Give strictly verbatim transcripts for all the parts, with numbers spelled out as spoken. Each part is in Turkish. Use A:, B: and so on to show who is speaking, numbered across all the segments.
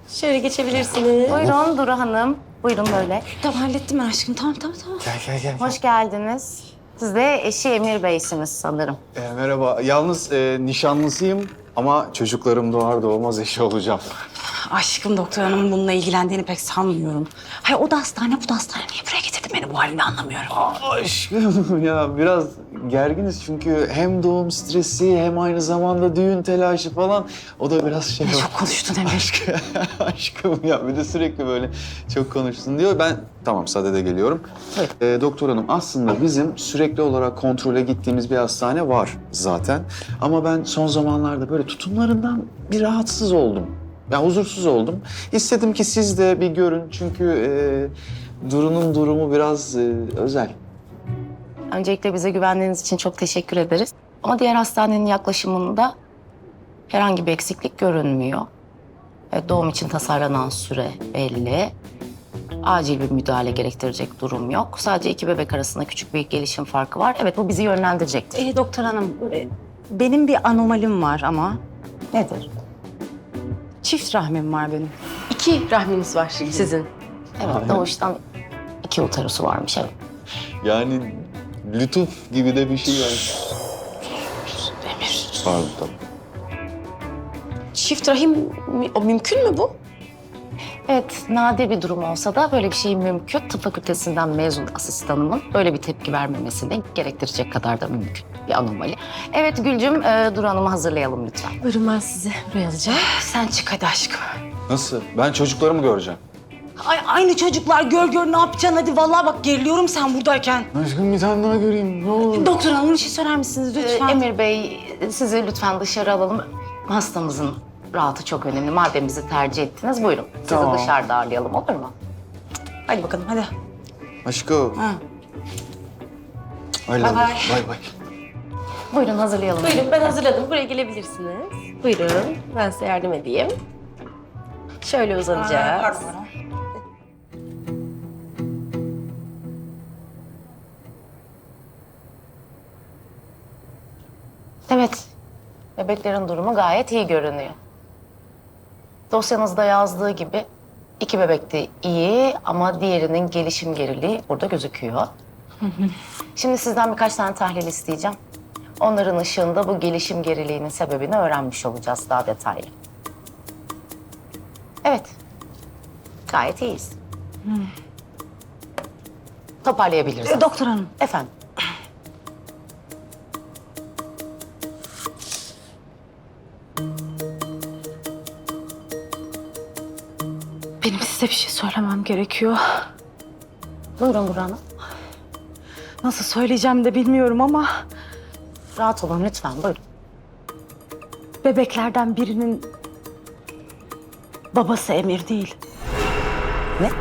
A: Şöyle geçebilirsiniz.
B: Buyurun Duru Hanım. Buyurun böyle.
A: Tamam hallettim ben aşkım. Tamam tamam tamam.
C: Gel gel gel.
B: Hoş geldiniz. Siz de eşi Emir Bey'siniz sanırım.
C: Ee, merhaba. Yalnız e, nişanlısıyım ama çocuklarım doğar doğmaz eşi olacağım.
A: Aşkım doktor hanımın bununla ilgilendiğini pek sanmıyorum. Hayır o da hastane bu da hastane. Niye buraya getirdin beni bu halini anlamıyorum.
C: Aşkım ya biraz gerginiz çünkü hem doğum stresi hem aynı zamanda düğün telaşı falan. O da biraz şey...
A: Ne çok konuştun Emir.
C: Aşkım, aşkım ya bir de sürekli böyle çok konuştun diyor. Ben tamam sadede geliyorum.
B: Evet.
C: Ee, doktor hanım aslında bizim sürekli olarak kontrole gittiğimiz bir hastane var zaten. Ama ben son zamanlarda böyle tutumlarından bir rahatsız oldum. Ya huzursuz oldum. İstedim ki siz de bir görün çünkü e, Duru'nun durumu biraz e, özel.
B: Öncelikle bize güvendiğiniz için çok teşekkür ederiz. Ama diğer hastanenin yaklaşımında herhangi bir eksiklik görünmüyor. Evet, doğum için tasarlanan süre belli. Acil bir müdahale gerektirecek durum yok. Sadece iki bebek arasında küçük bir gelişim farkı var. Evet, bu bizi yönlendirecektir.
A: Ee, doktor hanım e, benim bir anomalim var ama.
B: Nedir?
A: Çift rahmim var benim.
D: İki rahminiz var sizin.
B: Evet, doğuştan iki uterusu varmış, evet.
C: Yani lütuf gibi de bir şey var.
A: Emir.
C: Pardon tamam.
D: Çift rahim mi- o mümkün mü bu?
B: Evet, nadir bir durum olsa da böyle bir şey mümkün. Tıp fakültesinden mezun asistanımın böyle bir tepki vermemesini gerektirecek kadar da mümkün bir anomali. Evet Gülcüm, e, Duru Hanım'ı hazırlayalım lütfen.
D: Buyurun ben sizi buraya alacağım.
A: Sen çık hadi aşkım.
C: Nasıl? Ben çocuklarımı göreceğim.
A: Ay aynı çocuklar gör gör ne yapacaksın hadi. Vallahi bak geriliyorum sen buradayken.
C: Aşkım bir tane daha göreyim ne olur.
A: Doktor hanım bir şey söyler misiniz
B: Ee,
A: lütfen?
B: Emir Bey, sizi lütfen dışarı alalım. Hastamızın rahatı çok önemli. Madem bizi tercih ettiniz, buyurun. Sizi
C: Tamam.
B: dışarıda ağırlayalım, olur mu?
A: Hadi bakalım hadi.
C: Aşkım.
A: Ha.
C: Öyle
A: Bay bay.
C: Bay bay.
B: Buyurun, hazırlayalım.
D: Buyurun ben hazırladım. Buraya gelebilirsiniz. Buyurun ben size yardım edeyim. Şöyle uzanacağız.
A: Pardon.
B: Evet, bebeklerin durumu gayet iyi görünüyor. Dosyanızda yazdığı gibi iki bebek de iyi ama diğerinin gelişim geriliği burada gözüküyor. Şimdi sizden birkaç tane tahlil isteyeceğim. Onların ışığında bu gelişim geriliğinin sebebini öğrenmiş olacağız daha detaylı. Evet, gayet iyiyiz. Toparlayabiliriz.
A: Ee, doktor hanım.
B: Efendim?
A: Benim size bir şey söylemem gerekiyor.
B: Buyurun Burhan Hanım.
A: Nasıl söyleyeceğim de bilmiyorum ama
B: Rahat olun lütfen, buyurun.
A: bebeklerden birinin babası Emir değil.
B: Ne?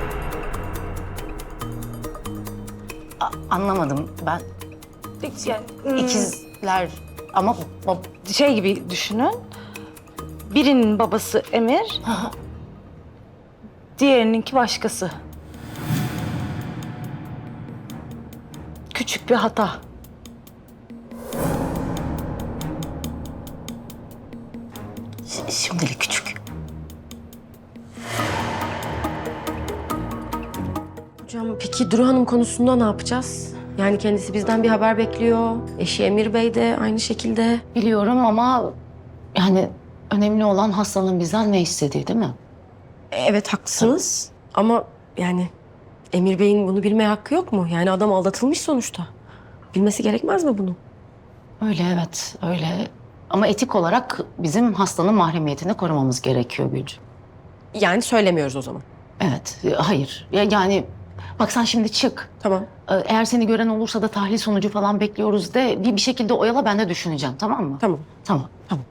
B: A- anlamadım ben.
A: Yani,
B: İkizler ama bab-
A: şey gibi düşünün. Birinin babası Emir, diğerininki başkası. Küçük bir hata.
B: Ş- şimdilik küçük.
D: Hocam peki Duru Hanım konusunda ne yapacağız? Yani kendisi bizden bir haber bekliyor. Eşi Emir Bey de aynı şekilde.
B: Biliyorum ama yani önemli olan hastanın bizden ne istediği değil mi?
D: Evet haklısınız. Ama yani Emir Bey'in bunu bilmeye hakkı yok mu? Yani adam aldatılmış sonuçta. Bilmesi gerekmez mi bunu?
B: Öyle evet öyle. Ama etik olarak bizim hastanın mahremiyetini korumamız gerekiyor Gülcüm.
D: Yani söylemiyoruz o zaman.
B: Evet, e, hayır. Ya- Yani bak sen şimdi çık.
D: Tamam.
B: E, Eğer seni gören olursa da tahlil sonucu falan bekliyoruz de bir, bir şekilde oyala ben de düşüneceğim tamam mı?
D: Tamam.
B: Tamam, tamam.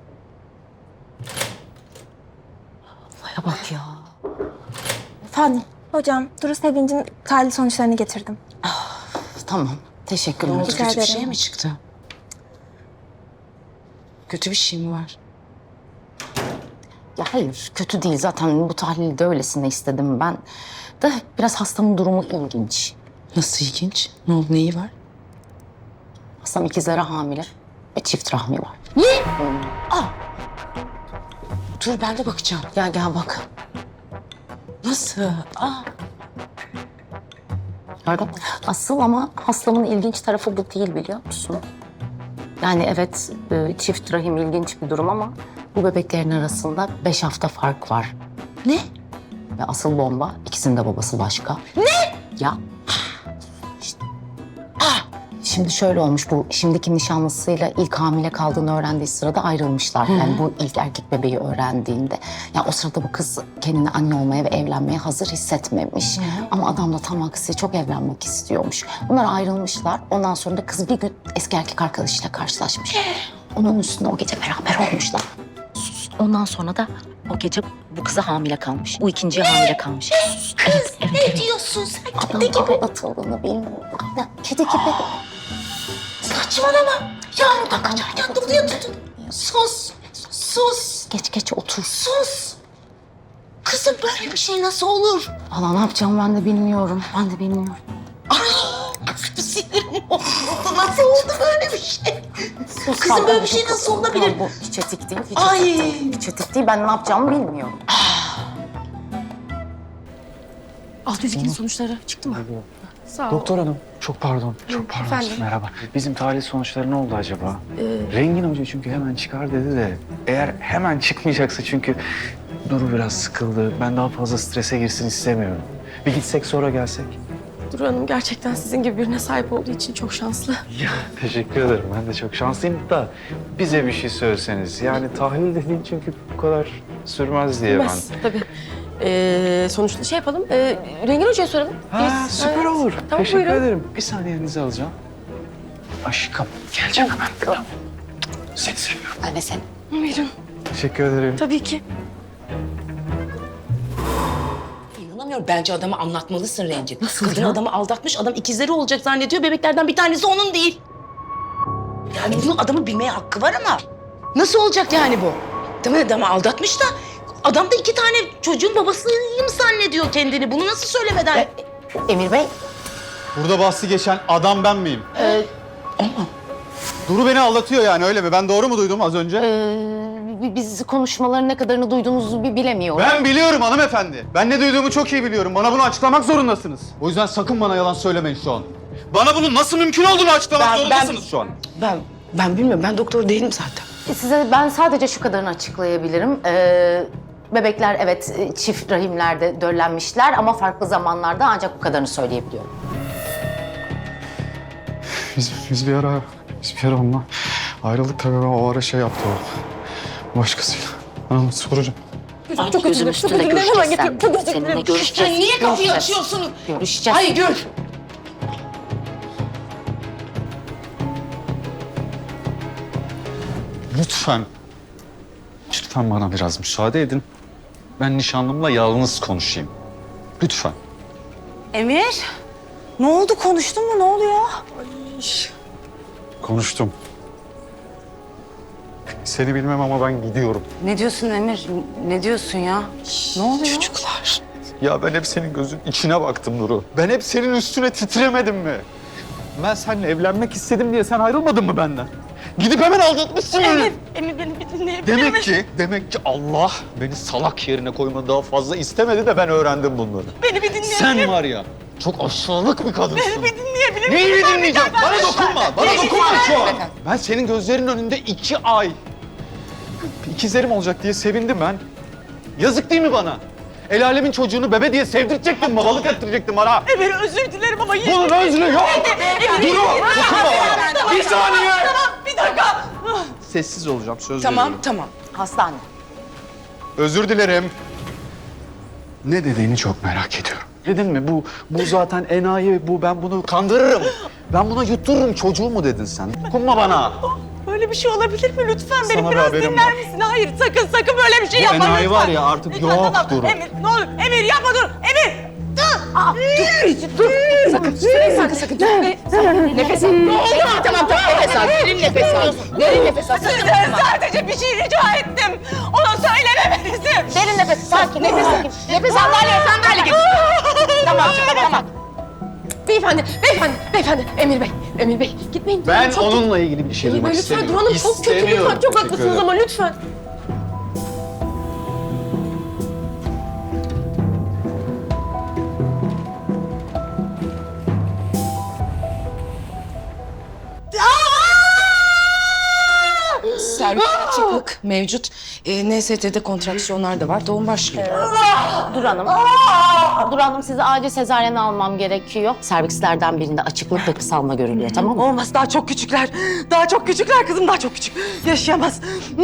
B: Olaya bak ya. Efendim?
E: Hocam, Duru Sevinç'in tahlil sonuçlarını getirdim.
B: Tamam, teşekkürler.
E: Rica
F: Kötü bir şey
E: ederim.
F: mi çıktı? Kötü bir şey mi var?
B: Ya hayır, kötü değil. Zaten bu tahlili de öylesine istedim ben. De biraz hastamın durumu ilginç.
F: Nasıl ilginç? Ne oldu, neyi var?
B: Hastam ikizlere hamile ve çift rahmi var.
F: Dur ben de bakacağım.
B: Gel gel bak.
F: Nasıl? Aa,
B: Pardon. Asıl ama hastamın ilginç tarafı bu değil biliyor musun? Yani evet e, çift rahim ilginç bir durum ama bu bebeklerin arasında beş hafta fark var.
F: ne?
B: Ve asıl bomba ikisinin de babası başka. Ne? Ya. İşte. Şimdi şöyle olmuş bu şimdiki nişanlısıyla ilk hamile kaldığını öğrendiği sırada ayrılmışlar. Yani bu ilk erkek bebeği öğrendiğinde. Ya o sırada bu kız kendini anne olmaya ve evlenmeye hazır hissetmemiş. Ama adam da tam aksi çok evlenmek istiyormuş. Bunlar ayrılmışlar. Ondan sonra da kız bir gün eski erkek arkadaşıyla karşılaşmış. Onun üstüne o gece beraber olmuşlar. Sus. Ondan sonra da o gece bu kıza hamile kalmış. Bu ikinciye hamile kalmış. Evet, evet,
F: Ne
B: evet.
F: diyorsun sen?
B: Adam
F: Kedi gibi.
B: aldatıldığını bilmiyorum. Aynen, kedi gibi.
F: Saçmalama. Yağmurdan kaçarken doluya tutun. Sus. Sus.
B: Geç geç otur.
F: Sus. Kızım böyle bir şey nasıl olur?
B: Valla ne yapacağım ben de bilmiyorum. Ben de bilmiyorum.
F: Kızım sinirim oldu. Nasıl oldu böyle bir şey? Kızım böyle bir şey nasıl olabilir?
B: Bu hiç etik değil. Hiç
F: Ay.
B: etik değil. Hiç etik değil. Ben ne yapacağımı bilmiyorum.
D: Alt yüz ikinin sonuçları çıktı mı? Sağ ol.
C: Doktor hanım, çok pardon, çok pardon.
D: efendim?
C: Merhaba. Bizim tahlil sonuçları ne oldu acaba? Rengin Hoca çünkü hemen çıkar dedi de eğer hemen çıkmayacaksa çünkü Duru biraz sıkıldı. Ben daha fazla strese girsin istemiyorum. Bir gitsek sonra gelsek.
D: Duru Hanım gerçekten sizin gibi birine sahip olduğu için çok şanslı.
C: Ya teşekkür ederim. Ben de çok şanslıyım da bize bir şey söyleseniz. Yani tahlil dediğin çünkü bu kadar sürmez diye
D: Bilmez tabii. Ee, sonuçta şey yapalım. E, Rengin Hoca'ya soralım.
C: ben. Ha,
D: Biz-
C: süper
D: Evet.
C: olur.
D: Tamam,
C: teşekkür
D: buyurun.
C: ederim. Bir saniyenizi alacağım. Aşkım geleceğim hemen. Tamam. Seni seviyorum.
B: Ben de seni.
D: Buyurun.
C: Teşekkür ederim.
D: Tabii ki.
F: İnanamıyorum. Bence adamı anlatmalısın Rencit.
D: Nasıl
F: Kadın
D: ya?
F: adamı aldatmış. Adam ikizleri olacak zannediyor. Bebeklerden bir tanesi onun değil. Yani bunun adamın bilmeye hakkı var ama nasıl olacak yani bu? Tamam adamı aldatmış da adam da iki tane çocuğun babasıyım zannediyor kendini. Bunu nasıl söylemeden?
B: Emir Bey.
G: Burada bahsi geçen adam ben miyim?
F: Ama
G: Duru beni aldatıyor yani öyle mi? Ben doğru mu duydum az önce?
B: Ee, biz konuşmaların ne kadarını duyduğunuzu bir bilemiyorum.
G: Ben biliyorum hanımefendi. Ben ne duyduğumu çok iyi biliyorum. Bana bunu açıklamak zorundasınız. O yüzden sakın bana yalan söylemeyin şu an. Bana bunun nasıl mümkün olduğunu açıklamak
F: Ben-
G: zorundasınız
F: ben-
G: şu an.
F: ben ben bilmiyorum. Ben doktor değilim zaten.
B: Size ben sadece şu kadarını açıklayabilirim. Ee, bebekler evet e, çift rahimlerde döllenmişler ama farklı zamanlarda ancak bu kadarını söyleyebiliyorum.
G: Biz, biz bir ara, biz bir ara onunla ayrıldık tabii. O ara şey yaptı o. Başkasıyla. Ben onu soracağım.
F: Ay,
B: Çok
F: gözüm
B: üzüldüm,
F: üstünde
B: çok üzüldüm.
F: görüşeceğiz
B: Hemen
F: sen.
B: getir, çok özür
F: Seninle
B: dilerim.
F: görüşeceğiz. Sen niye kapıyı
B: Görüşeceğiz.
F: açıyorsun?
B: Görüşeceğiz.
F: Ay gör.
G: Lütfen. Lütfen bana biraz müsaade edin. Ben nişanlımla yalnız konuşayım. Lütfen.
A: Emir, ne oldu? Konuştun mu? Ne oluyor?
G: Konuştum. Seni bilmem ama ben gidiyorum.
A: Ne diyorsun Emir? Ne diyorsun ya? Ne oluyor?
F: Çocuklar.
G: Ya ben hep senin gözün içine baktım Nuru. Ben hep senin üstüne titremedim mi? Ben seninle evlenmek istedim diye sen ayrılmadın mı benden? Gidip hemen aldatmışsın beni.
D: Emir beni bir dinleyebilir
G: Demek ki, demek ki Allah beni salak yerine koyma daha fazla istemedi de ben öğrendim bunları.
D: Beni bir dinleyebilir
G: Sen var ya, çok aşağılık bir kadınsın.
D: Beni bir dinleyebilir
G: Neyi bir dinleyeceğim? Bana dokunma, bana dokunma şu an. Ben senin gözlerinin önünde iki ay ikizlerim olacak diye sevindim ben. Yazık değil mi bana? El alemin çocuğunu bebe diye sevdirecektin, babalık ettirecektin bana.
D: Emir özür dilerim ama yine...
G: Bunun özrü yok. Duru, dokunma bana. Bir saniye.
D: Bir dakika.
G: Sessiz olacağım, söz
F: Tamam
G: veriyorum.
F: tamam.
B: Hastane.
G: Özür dilerim. Ne dediğini çok merak ediyorum.
C: Dedin mi? Bu bu zaten enayi, bu ben bunu kandırırım. Ben buna yuttururum çocuğu mu dedin sen? Dokunma bana.
D: Böyle bir şey olabilir mi? Lütfen beni
G: Sana bir
D: biraz
G: haberim
D: dinler
G: var.
D: misin? Hayır sakın sakın böyle bir şey
G: Bu
D: yapma
G: enayi
D: lütfen.
G: var ya artık
D: Lütfen,
G: yok
D: tamam.
G: Duru.
D: Emir ne olur Emir yapma dur. Emir dur. Aa, dur. Dur. Sakın. Sakın sakın. Dur.
F: Nefes al. Ne oldu? Tamam tamam nefes al. Derin nefes al. Derin nefes al.
D: Sizden sadece bir şey rica ettim. Ona söylememenizi.
B: Derin nefes, sakin, nefes sakin.
F: Nefes al. Sandalye sandalye getir. Tamam tamam tamam.
D: Beyefendi, beyefendi, beyefendi. Emir Bey, Emir Bey. Gitmeyin.
C: Ben
D: Çok-
C: onunla ilgili bir şey
D: Emir
C: demek
D: Bey lütfen
C: istemiyorum.
D: Duru Hanım çok kötü lütfen.
C: İstemiyorum.
D: Çok
C: Teşekkür
D: haklısınız
C: ederim.
D: ama lütfen.
F: bağışıklık mevcut. E, N S T'de kontraksiyonlar da var. Doğum başlıyor.
B: Dur Hanım. Dur Hanım, sizi acil sezaryen almam gerekiyor. Servislerden birinde açıklık ve kısalma görülüyor, tamam mı?
D: Olmaz, daha çok küçükler. Daha çok küçükler kızım, daha çok küçük. Yaşayamaz.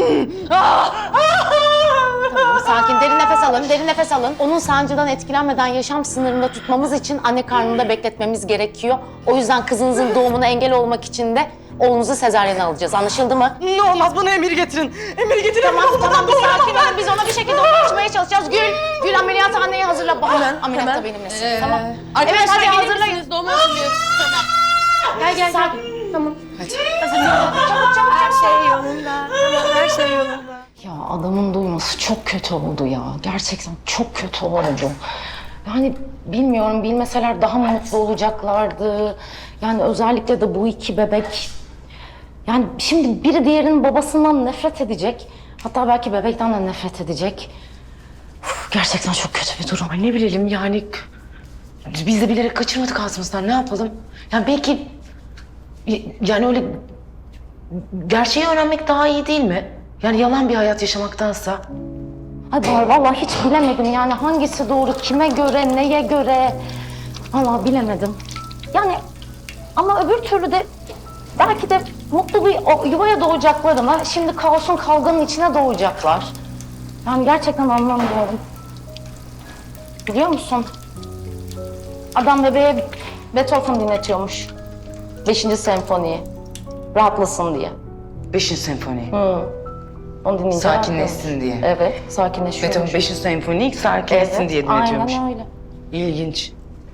B: Tamam, sakin. Derin nefes alın, derin nefes alın. Onun sancıdan etkilenmeden yaşam sınırında tutmamız için anne karnında bekletmemiz gerekiyor. O yüzden kızınızın doğumuna engel olmak için de oğlunuzu sezaryene alacağız. Anlaşıldı mı?
D: Ne olmaz, bana emir getirin. Emir getirin.
B: Tamam,
D: Oğlum,
B: tamam. Bir
D: doğuramam
B: sakin
D: ben.
B: olun. Biz ona bir şekilde ulaşmaya çalışacağız. Gül, Gül ameliyathaneye hazırla. Bahar,
D: Hemen,
B: ameliyatta
D: hemen.
B: benimlesin. Tamam.
D: Arkadaşlar,
B: Evet, hadi
D: gelir
B: hazırlayın.
D: misiniz? Doğuma hazırlıyoruz. Gel, gel, gel. Tamam.
B: Çabuk, çabuk,
E: Her şey yolunda. Tamam, her şey yolunda.
B: Ya adamın duyması çok kötü oldu ya. Gerçekten çok kötü oldu. Yani bilmiyorum, bilmeseler daha mutlu olacaklardı. Yani özellikle de bu iki bebek. Yani şimdi biri diğerinin babasından nefret edecek. Hatta belki bebekten de nefret edecek. Uf, gerçekten çok kötü bir durum.
F: Ay ne bilelim yani. Biz de bilerek kaçırmadık ağzımızdan. Ne yapalım? Yani belki... Yani öyle... Gerçeği öğrenmek daha iyi değil mi? Yani yalan bir hayat yaşamaktansa.
B: Ay Bahar, vallahi hiç bilemedim yani hangisi doğru, kime göre, neye göre. Vallahi bilemedim. Yani ama öbür türlü de belki de mutlu bir o yuvaya doğacaklarına şimdi kaosun, kavganın içine doğacaklar. Yani gerçekten anlamıyorum. Biliyor musun? Adam bebeğe Beethoven dinletiyormuş. Beşinci senfoniyi. Rahatlasın diye.
F: Beşinci senfoni.
B: Hı. Onu dinleyince
F: Sakinleşsin diye.
B: Evet, sakinleşiyor.
F: Beethoven beşinci senfoni sakinleşsin
B: Evet,
F: diye dinletiyormuş.
B: aynen öyle.
F: İlginç.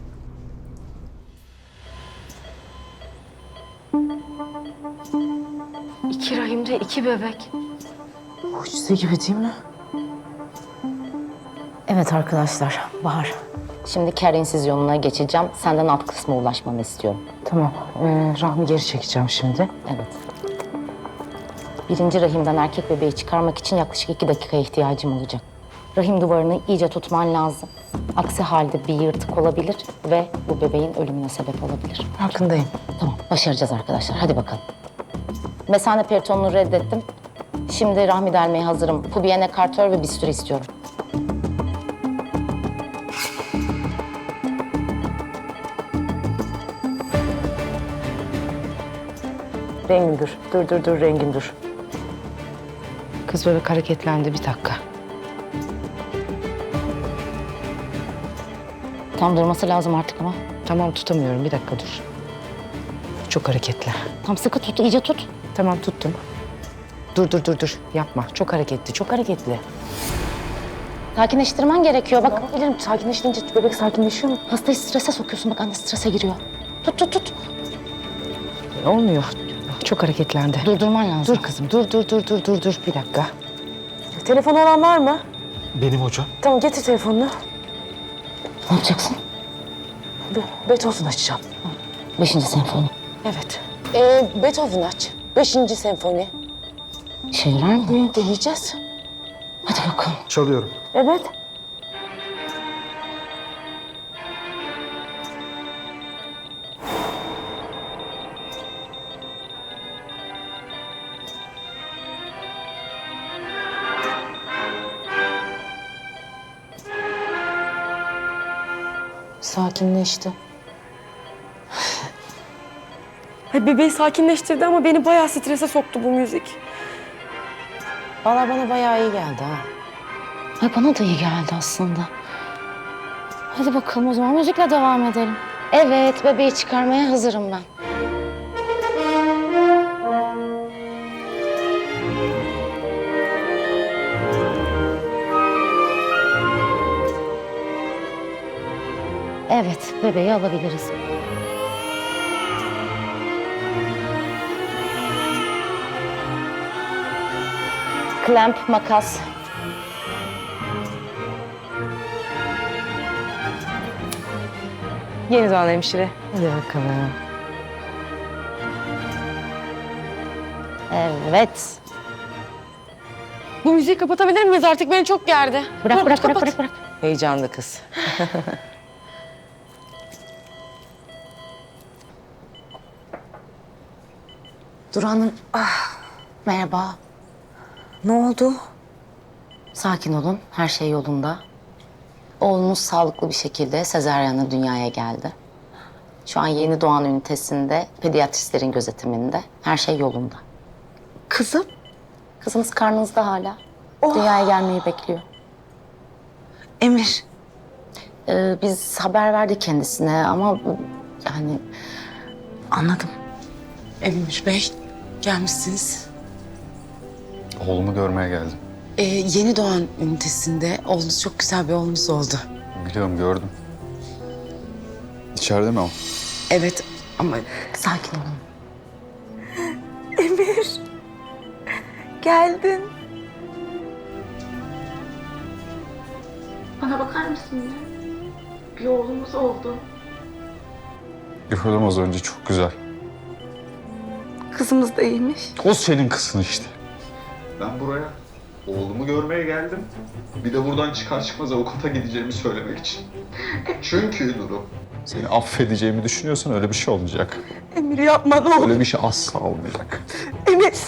D: İki rahimde iki bebek.
F: Mucize gibi değil mi?
B: Evet arkadaşlar, Bahar. Şimdi ker insizyonuna geçeceğim. Senden alt kısma ulaşmanı istiyorum.
F: Tamam. Ee, rahmi geri çekeceğim şimdi.
B: Evet. Birinci rahimden erkek bebeği çıkarmak için yaklaşık iki dakikaya ihtiyacım olacak. Rahim duvarını iyice tutman lazım. Aksi halde bir yırtık olabilir ve bu bebeğin ölümüne sebep olabilir.
F: Farkındayım.
B: Tamam, başaracağız arkadaşlar. Hadi bakalım. Mesane peritonunu reddettim. Şimdi rahmi delmeye hazırım. Pubiyene kartör ve bisturi istiyorum.
F: Rengin dur. Dur dur dur Rengin dur. Kız bebek hareketlendi, bir dakika.
B: Tam durması lazım artık ama.
F: Tamam tutamıyorum, bir dakika dur. Çok hareketli.
B: Tam sıkı tut, iyice tut.
F: Tamam tuttum. Dur dur dur dur yapma. Çok hareketli, çok hareketli.
B: Sakinleştirmen gerekiyor. Bak,
F: Bilirim sakinleştiğince bebek sakinleşiyor mu?
B: hastayı strese sokuyorsun. Bak, anne strese giriyor. Tut, tut, tut.
F: Olmuyor. Çok hareketlendi.
B: Durdurman lazım.
F: Dur kızım, dur dur dur dur dur dur bir dakika.
D: Telefon olan var mı?
G: Benim hocam.
D: Tamam, getir telefonunu.
B: Ne yapacaksın?
D: Be- Beethoven açacağım.
B: Beşinci senfoni.
D: Evet. Ee, Beethoven aç. Beşinci senfoni.
B: İşe yarar mı?
D: Hı, deneyeceğiz.
B: Hadi bakalım.
G: Çalıyorum.
D: Evet.
F: Sakinleşti.
D: Ay, bebeği sakinleştirdi ama beni bayağı strese soktu bu müzik.
F: Valla bana bayağı iyi geldi ha.
B: Ay, bana da iyi geldi aslında. Hadi bakalım, o zaman müzikle devam edelim. Evet, bebeği çıkarmaya hazırım ben. Evet, bebeği alabiliriz. Klemp, makas.
F: Yeni doğan hemşire. Hadi bakalım.
B: Evet.
D: Bu müziği kapatabilir miyiz artık? Beni çok gerdi.
B: Bırak,
D: Dur,
B: bırak, bırak,
D: kapat.
B: bırak, bırak.
F: Heyecanlı kız.
B: Dur Hanım. Ah, merhaba.
A: Ne oldu?
B: Sakin olun, her şey yolunda. Oğlumuz sağlıklı bir şekilde sezaryenle dünyaya geldi. Şu an yeni doğan ünitesinde, pediatristlerin gözetiminde. Her şey yolunda.
A: Kızım?
B: Kızımız karnınızda hala. Dünyaya gelmeyi bekliyor.
A: Emir.
B: Ee, biz haber verdik kendisine ama bu- yani
A: Anladım.
F: Emir Bey, gelmişsiniz.
C: Oğlumu görmeye geldim.
F: Ee, yeni doğan ünitesinde oğlunuz çok güzel bir oğlunuz oldu.
C: Biliyorum, gördüm. İçeride mi o?
F: Evet ama
B: sakin olun.
E: Emir. Geldin.
B: Bana bakar mısın ya? Bir oğlumuz oldu.
C: Gördüm az önce, çok güzel.
E: Kızımız da iyiymiş.
C: O senin kızın işte. Ben buraya oğlumu görmeye geldim. Bir de buradan çıkar çıkmaz avukata gideceğimi söylemek için. Çünkü Nuru, seni affedeceğimi düşünüyorsan öyle bir şey olmayacak.
E: Emir yapma ne olur.
C: Öyle bir şey asla olmayacak.
E: Emir.
F: e,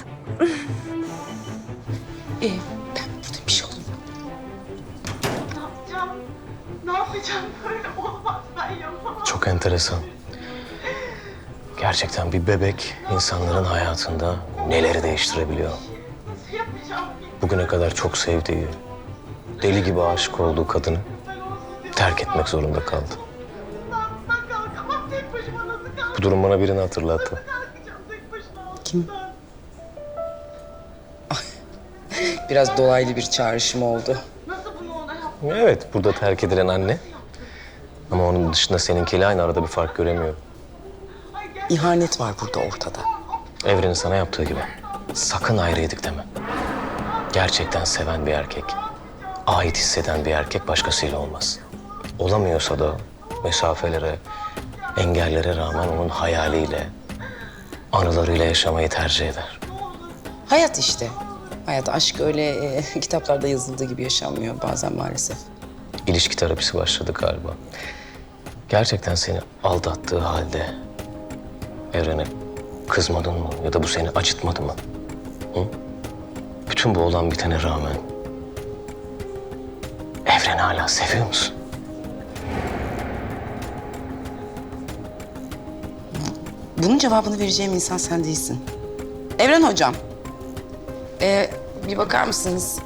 F: ben burada bir şey olur.
H: Çok enteresan. Gerçekten bir bebek insanların hayatında neleri değiştirebiliyor. Bugüne kadar çok sevdiği, deli gibi aşık olduğu kadını terk etmek zorunda kaldı. Bu durum bana birini hatırlattı.
F: Kim? Biraz dolaylı bir çağrışım oldu.
H: Evet, burada terk edilen anne. Ama onun dışında seninkiyle aynı, arada bir fark göremiyorum.
F: İhanet var burada ortada.
H: Evrenin sana yaptığı gibi. Sakın ayrıydık deme. Gerçekten seven bir erkek, ait hisseden bir erkek başkasıyla olmaz. Olamıyorsa da mesafelere, engellere rağmen onun hayaliyle, anılarıyla yaşamayı tercih eder.
F: Hayat işte. Hayat, aşk öyle e, kitaplarda yazıldığı gibi yaşanmıyor bazen maalesef.
H: İlişki terapisi başladı galiba. Gerçekten seni aldattığı halde Evren'e kızmadın mı? Ya da bu seni acıtmadı mı? Hı? Bütün bu olan bitene rağmen Evren'i hala seviyor musun?
F: Bunun cevabını vereceğim insan sen değilsin. Evren hocam. Ee, bir bakar mısınız?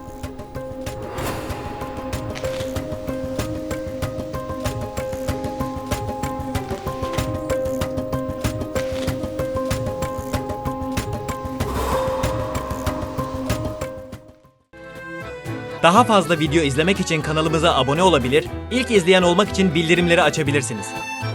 I: Daha fazla video izlemek için kanalımıza abone olabilir, ilk izleyen olmak için bildirimleri açabilirsiniz.